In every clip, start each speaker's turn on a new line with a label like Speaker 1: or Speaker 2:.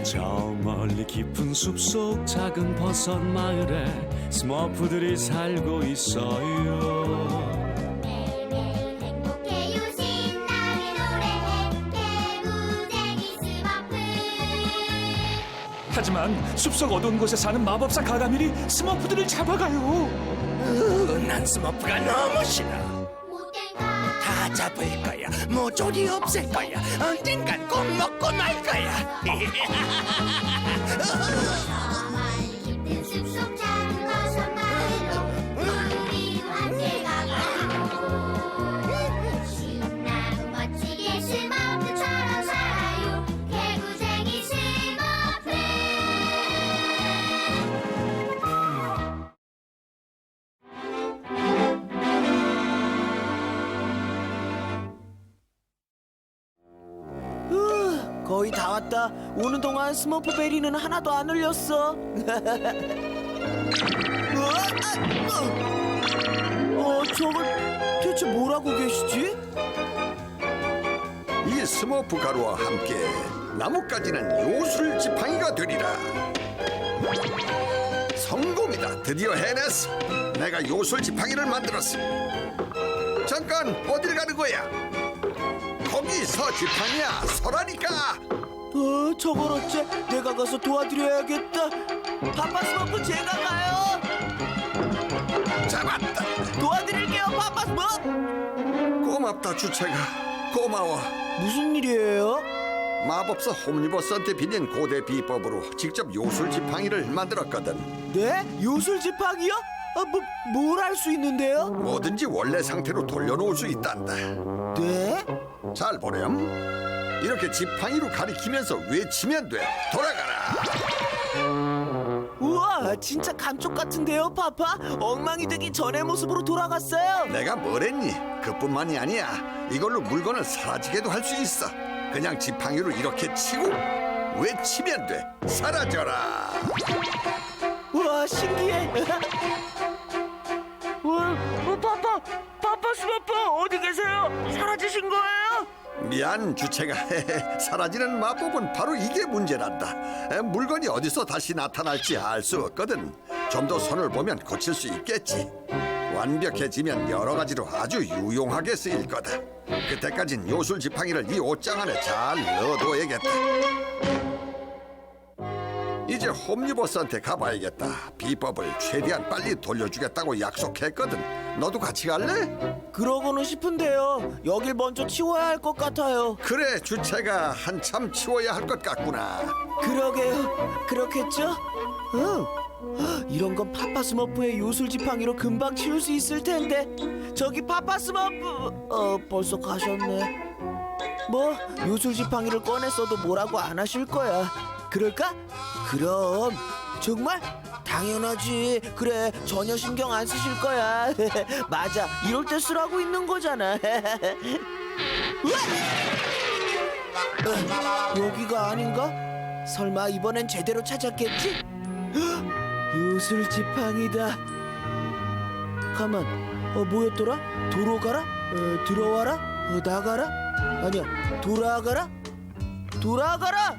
Speaker 1: 저 멀리 깊은 숲속 작은 버섯 마을에 스머프들이 살고 있어요.
Speaker 2: 매일매일 행복해요 신나게 노래해 개구쟁이 스머프.
Speaker 3: 하지만 숲속 어두운 곳에 사는 마법사 가가밀이 스머프들을 잡아가요.
Speaker 4: 난 스머프가 너무 싫어.
Speaker 2: 못된
Speaker 4: 다 잡을 거야. 모조리 없앨 거야. 언젠간 꼭 먹고 말 거야.
Speaker 2: 가만히 깊은 숲속 작은 버섯 마을로 우리도 함께 가봐요. 신나고 멋지게 스머프처럼 살아요 개구쟁이 스머프.
Speaker 5: 거의 다 왔다. 오는 동안 스머프 베리는 하나도 안 흘렸어. 저건 대체 뭐라고 계시지?
Speaker 6: 이 스머프 가루와 함께 나뭇가지는 요술 지팡이가 되리라. 성공이다. 드디어 해냈어. 내가 요술 지팡이를 만들었어. 잠깐 어딜 가는 거야? 거기서 지팡이야. 서라니까.
Speaker 5: 저걸 어째 내가 가서 도와드려야겠다. 파파 스머프 제가 가요.
Speaker 6: 잡았다.
Speaker 5: 도와드릴게요, 파파 스머프.
Speaker 6: 고맙다 주체가. 고마워.
Speaker 5: 무슨 일이에요?
Speaker 6: 마법사 홈리버스한테 빌린 고대 비법으로 직접 요술 지팡이를 만들었거든.
Speaker 5: 네? 요술 지팡이요? 뭘 할 수 있는데요?
Speaker 6: 뭐든지 원래 상태로 돌려놓을 수 있단다.
Speaker 5: 네?
Speaker 6: 잘 보렴. 이렇게 지팡이로 가리키면서 외치면 돼. 돌아가라.
Speaker 5: 우와, 진짜 감쪽 같은데요, 파파? 엉망이 되기 전의 모습으로 돌아갔어요.
Speaker 6: 내가 뭐랬니? 그뿐만이 아니야. 이걸로 물건을 사라지게도 할 수 있어. 그냥 지팡이로 이렇게 치고 외치면 돼. 사라져라.
Speaker 5: 우와, 신기해. 우와, 파파 스머프 어디 계세요? 사라지신 거예요?
Speaker 6: 미안 주체가. 사라지는 마법은 바로 이게 문제란다. 물건이 어디서 다시 나타날지 알 수 없거든. 좀 더 손을 보면 고칠 수 있겠지. 완벽해지면 여러 가지로 아주 유용하게 쓰일 거다. 그때까진 요술 지팡이를 이 옷장 안에 잘 넣어둬야겠다. 이제 홈리버스한테 가봐야겠다. 비법을 최대한 빨리 돌려주겠다고 약속했거든. 너도 같이 갈래?
Speaker 5: 그러고는 싶은데요. 여길 먼저 치워야 할 것 같아요.
Speaker 6: 그래, 주체가 한참 치워야 할 것 같구나.
Speaker 5: 그러게요. 그렇겠죠? 응. 이런 건 파파 스머프의 요술 지팡이로 금방 치울 수 있을 텐데. 저기 파파 스머프. 벌써 가셨네. 뭐 요술 지팡이를 꺼냈어도 뭐라고 안 하실 거야. 그럴까? 그럼. 정말? 당연하지. 그래, 전혀 신경 안 쓰실 거야. 맞아, 이럴 때 쓰라고 있는 거잖아. 여기가 아닌가? 설마 이번엔 제대로 찾았겠지? 요술 지팡이다. 가만, 뭐였더라? 도로 가라? 들어와라? 나가라? 아니야, 돌아가라? 돌아가라!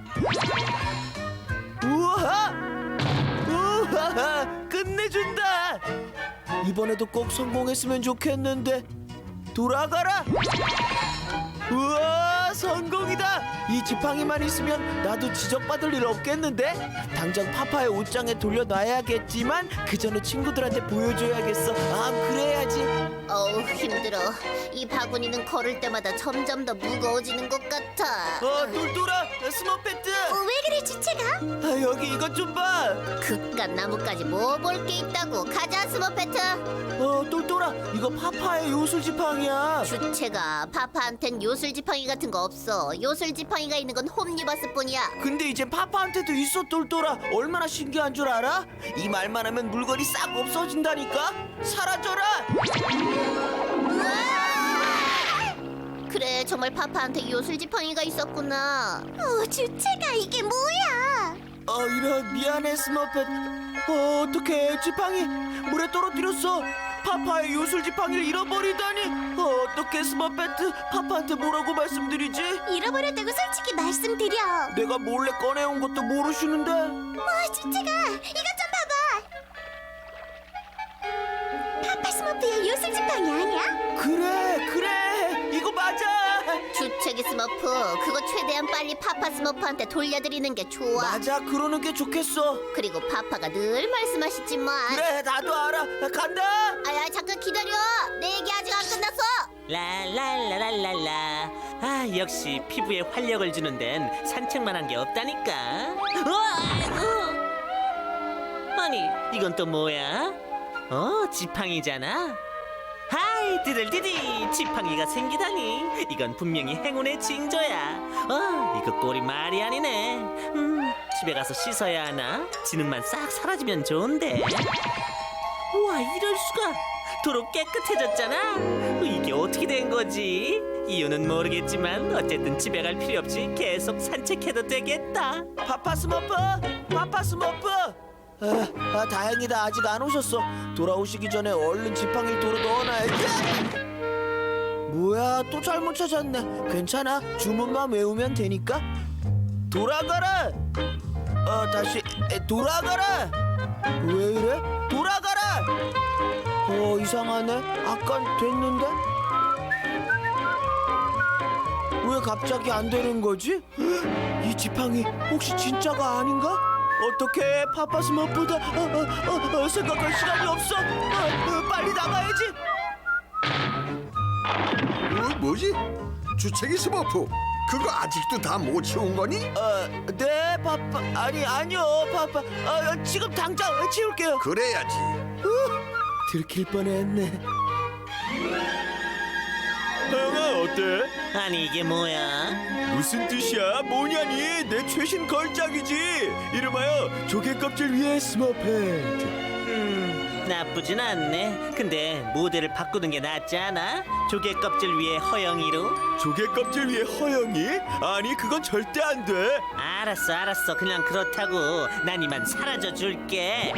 Speaker 5: 우와! 우와! 끝내준다! 이번에도 꼭 성공했으면 좋겠는데. 돌아가라! 우와, 성공이다! 이 지팡이만 있으면 나도 지적받을 일 없겠는데? 당장 파파의 옷장에 돌려놔야겠지만 그 전에 친구들한테 보여줘야겠어. 그래야지.
Speaker 2: 어우 힘들어. 이 바구니는 걸을 때마다 점점 더 무거워지는 것 같아.
Speaker 5: 똘똘아, 스머페트!
Speaker 2: 왜 그래 주체가?
Speaker 5: 여기 이것 좀 봐!
Speaker 2: 그깟 나뭇가지 뭐 볼 게 있다고. 가자 스머페트.
Speaker 5: 똘똘아, 이거 파파의 요술 지팡이야.
Speaker 2: 주체가 파파한텐 요술 지팡이 같은 거 없어. 요술 지팡이가 있는 건 홈리버스뿐이야.
Speaker 5: 근데 이제 파파한테도 있어. 똘똘아, 얼마나 신기한 줄 알아? 이 말만 하면 물건이 싹 없어진다니까. 사라져라.
Speaker 2: 그래 정말 파파한테 요술 지팡이가 있었구나. 주체가 이게 뭐야?
Speaker 5: 이런, 미안해 스머펫. 어떡해, 지팡이 물에 떨어뜨렸어. 파파의 요술 지팡이를 잃어버리다니. 어떻게 스머페트 파파한테 뭐라고 말씀드리지?
Speaker 2: 잃어버렸다고 솔직히 말씀드려.
Speaker 5: 내가 몰래 꺼내온 것도 모르시는데.
Speaker 2: 와, 주체가 이것 좀 봐봐. 파파 스머프의 요술 지팡이 아니야?
Speaker 5: 그래 이거 맞아.
Speaker 2: 주책이 스머프, 그거 최대한 빨리 파파 스머프한테 돌려드리는 게 좋아.
Speaker 5: 맞아, 그러는 게 좋겠어.
Speaker 2: 그리고 파파가 늘 말씀하시지만.
Speaker 5: 그래, 나도 알아. 간다.
Speaker 2: 아야, 잠깐 기다려. 내 얘기 아직 안 끝났어.
Speaker 7: 랄랄랄랄랄라. 아, 역시 피부에 활력을 주는 데는 산책만 한 게 없다니까. 아이고. 아니, 이건 또 뭐야? 지팡이잖아. 하이, 디들디디. 지팡이가 생기다니. 이건 분명히 행운의 징조야. 이거 꼴이 말이 아니네. 집에 가서 씻어야 하나? 지능만 싹 사라지면 좋은데. 우와, 이럴 수가. 도로 깨끗해졌잖아. 이게 어떻게 된 거지? 이유는 모르겠지만 어쨌든 집에 갈 필요 없이 계속 산책해도 되겠다.
Speaker 5: 파파 스머프. 다행이다. 아직 안 오셨어. 돌아오시기 전에 얼른 지팡이를 도로 넣어놔야지. 뭐야, 또 잘못 찾았네. 괜찮아, 주문만 외우면 되니까. 돌아가라. 다시 돌아가라. 왜 이래? 돌아가라. 이상하네. 아깐 됐는데 왜 갑자기 안 되는 거지? 이 지팡이 혹시 진짜가 아닌가? 어떻게 파파 스머프다. 생각할 시간이 없어. 빨리 나가야지.
Speaker 6: 뭐지? 주책이 스머프, 그거 아직도 다 못 치운 거니?
Speaker 5: 네, 파파. 아니요, 파파. 지금 당장 치울게요.
Speaker 6: 그래야지.
Speaker 5: 들킬 뻔했네. 형아, 어때?
Speaker 7: 아니, 이게 뭐야?
Speaker 5: 무슨 뜻이야? 뭐냐니? 내 최신 걸작이지. 이름하여 조개 껍질 위에 스머페트.
Speaker 7: 나쁘진 않네. 근데 모델을 바꾸는 게 낫지 않아? 조개 껍질 위에 허영이로?
Speaker 5: 조개 껍질 위에 허영이? 아니, 그건 절대 안 돼.
Speaker 7: 알았어. 그냥 그렇다고. 난 이만 사라져 줄게.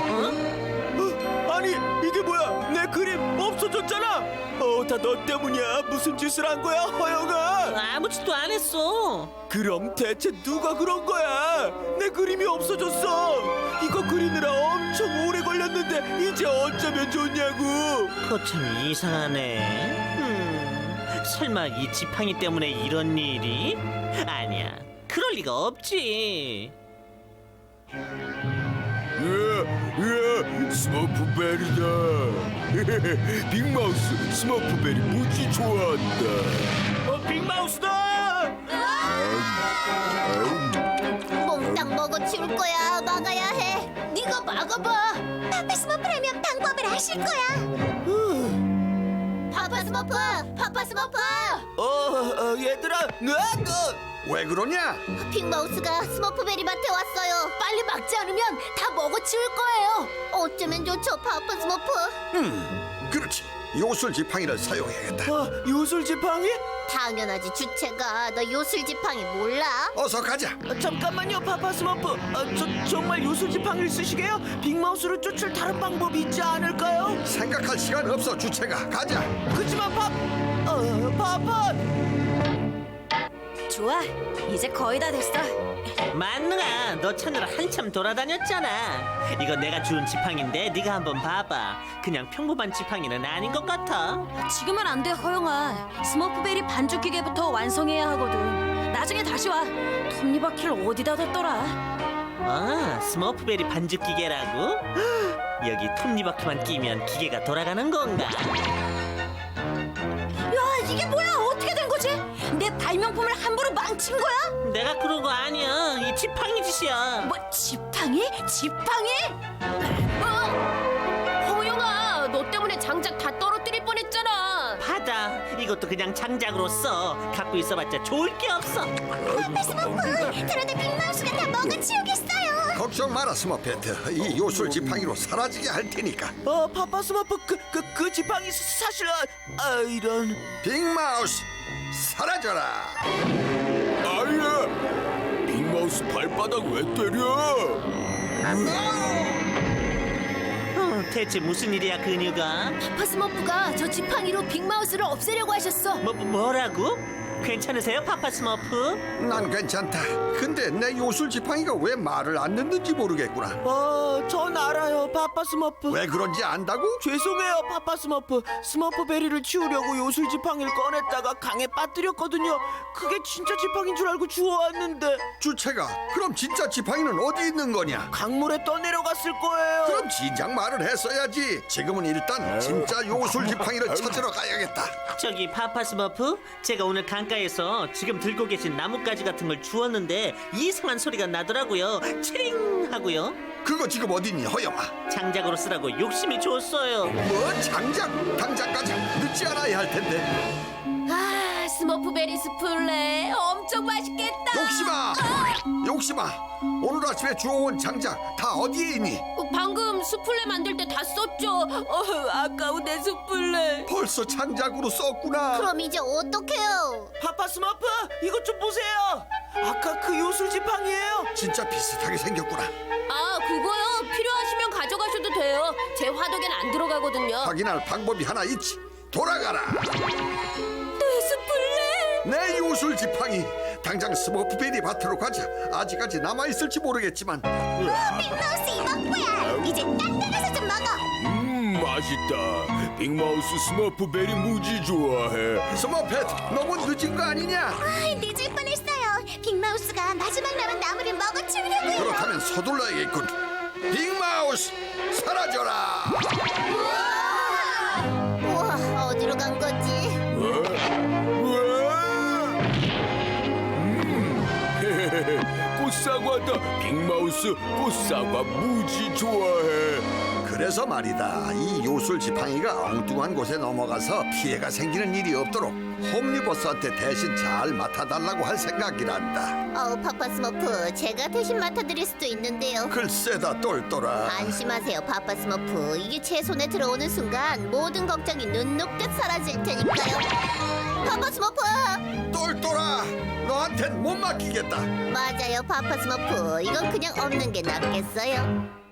Speaker 5: 아니, 이게 뭐야? 내 그림 없어졌잖아. 다 너 때문이야. 무슨 짓을 한 거야, 허영아?
Speaker 7: 아무 짓도 안 했어.
Speaker 5: 그럼 대체 누가 그런 거야? 내 그림이 없어졌어. 이거 그리느라 엄청 오래 걸렸는데 이제 어쩌면 좋냐고.
Speaker 7: 그거 참 이상하네. 설마 이 지팡이 때문에 이런 일이? 아니야, 그럴 리가 없지.
Speaker 8: 스머프베리다. 빅마우스 스머프베리 무지 좋아한다.
Speaker 5: 빅마우스다.
Speaker 2: 몽땅 먹어치울 거야. 막아야 해. 네가 막아봐. 파파 스머프라면 방법을 아실 거야. 파파 스머프.
Speaker 5: 얘들아,
Speaker 6: 왜 그러냐?
Speaker 2: 빅마우스가 스머프베리 밭에 왔어요. 빨리 막지 않으면 다 먹어치울 거예요. 어쩌면 좋죠, 파파 스머프.
Speaker 6: 그렇지. 요술 지팡이를 사용해야겠다.
Speaker 5: 요술 지팡이?
Speaker 2: 당연하지, 주체가. 너 요술 지팡이 몰라?
Speaker 6: 어서 가자.
Speaker 5: 잠깐만요, 파파 스머프. 정말 요술 지팡이를 쓰시게요? 빅마우스를 쫓을 다른 방법이 있지 않을까요?
Speaker 6: 생각할 시간 없어, 주체가. 가자.
Speaker 5: 그치만 파파.
Speaker 9: 좋아, 이제 거의 다 됐어.
Speaker 7: 만능아, 너 찾느라 한참 돌아다녔잖아. 이거 내가 주운 지팡인데 네가 한번 봐봐. 그냥 평범한 지팡이는 아닌 것 같아.
Speaker 9: 지금은 안 돼, 허영아. 스머프베리 반죽 기계부터 완성해야 하거든. 나중에 다시 와. 톱니바퀴를 어디다 뒀더라?
Speaker 7: 스머프베리 반죽 기계라고? 여기 톱니바퀴만 끼면 기계가 돌아가는 건가?
Speaker 9: 야, 이게 뭐야? 어떻게 된 거지? 내 발명품을 함부로 망친 거야?
Speaker 7: 내가 그런 거 아니야. 이 지팡이 짓이야.
Speaker 9: 뭐, 지팡이? 허영아, 너 때문에 장작 다 떨어뜨릴 뻔했잖아.
Speaker 7: 받아. 이것도 그냥 장작으로 써. 갖고 있어봤자 좋을 게 없어.
Speaker 2: 파파 스머프, 그러다 빅마우스가 다 먹어치우겠어요.
Speaker 6: 걱정 마라, 스머페트. 이 요술 지팡이로 사라지게 할 테니까.
Speaker 5: 파파 스머프 그 지팡이 사실 이런.
Speaker 6: 빅마우스, 사라져라.
Speaker 8: 아야, 빅마우스 발바닥 왜 때려?
Speaker 7: 대체 무슨 일이야 근유가?
Speaker 2: 파파 스머프가 저 지팡이로 빅마우스를 없애려고 하셨어.
Speaker 7: 뭐라고? 괜찮으세요 파파 스머프?
Speaker 6: 난 괜찮다. 근데 내 요술 지팡이가 왜 말을 안 듣는지 모르겠구나.
Speaker 5: 전 알아요, 파파 스머프.
Speaker 6: 왜 그런지 안다고?
Speaker 5: 죄송해요, 파파 스머프. 스머프 베리를 치우려고 요술 지팡이를 꺼냈다가 강에 빠뜨렸거든요. 그게 진짜 지팡이인 줄 알고 주워왔는데
Speaker 6: 주체가 그럼 진짜 지팡이는 어디 있는 거냐?
Speaker 5: 강물에 떠내려갔을 거예요.
Speaker 6: 그럼 진작 말을 했어야지. 지금은 일단 진짜 요술 지팡이를 찾으러 가야겠다.
Speaker 7: 저기 파파 스머프, 제가 오늘 강가에서 지금 들고 계신 나뭇가지 같은 걸 주웠는데 이상한 소리가 나더라고요. 치링 하고요.
Speaker 6: 그거 지금 어딨니, 허영아?
Speaker 7: 장작으로 쓰라고 욕심이 줬어요.
Speaker 6: 뭐 장작? 당장까지 늦지 않아야 할 텐데.
Speaker 2: 아, 스머프베리 스플레 엄청 맛있겠다.
Speaker 6: 욕심아, 오늘 아침에 주워온 장작 다 어디에 있니?
Speaker 2: 방금 수플레 만들 때 다 썼죠. 아까운 내 수플레.
Speaker 6: 벌써 장작으로 썼구나.
Speaker 2: 그럼 이제 어떡해요?
Speaker 5: 파파 스머프, 이것 좀 보세요. 아까 그 요술 지팡이에요.
Speaker 6: 진짜 비슷하게 생겼구나.
Speaker 2: 아, 그거요. 필요하시면 가져가셔도 돼요. 제 화덕엔 안 들어가거든요.
Speaker 6: 확인할 방법이 하나 있지. 돌아가라.
Speaker 2: 내 스플레.
Speaker 6: 내 요술 지팡이. 당장 스머프베리 밭으로 가자. 아직까지 남아있을지 모르겠지만.
Speaker 2: 빅마우스 이먹고야. 이제 딴 데 가서 좀 먹어.
Speaker 8: 맛있다. 빅마우스 스머프베리 무지 좋아해.
Speaker 6: 스머펫, 너무 늦은 거 아니냐?
Speaker 2: 늦을 뻔했어요. 빅마우스가 마지막 남은 나무를 먹어치우려고요.
Speaker 6: 그렇다면 서둘러야겠군. 빅마우스, 사라져라.
Speaker 2: 우와, 어디로 간 거지?
Speaker 8: 꽃사과다. 빅마우스 꽃사과 무지 좋아해.
Speaker 6: 그래서 말이다. 이 요술 지팡이가 엉뚱한 곳에 넘어가서 피해가 생기는 일이 없도록 홈리버스한테 대신 잘 맡아달라고 할 생각이란다.
Speaker 2: 파파 스머프, 제가 대신 맡아드릴 수도 있는데요.
Speaker 6: 글쎄다, 똘똘아.
Speaker 2: 안심하세요, 파파 스머프. 이게 제 손에 들어오는 순간 모든 걱정이 눈 녹듯 사라질 테니까요. 파파 스머프!
Speaker 6: 똘똘아, 너한텐 못 맡기겠다.
Speaker 2: 맞아요, 파파 스머프. 이건 그냥 없는 게 낫겠어요.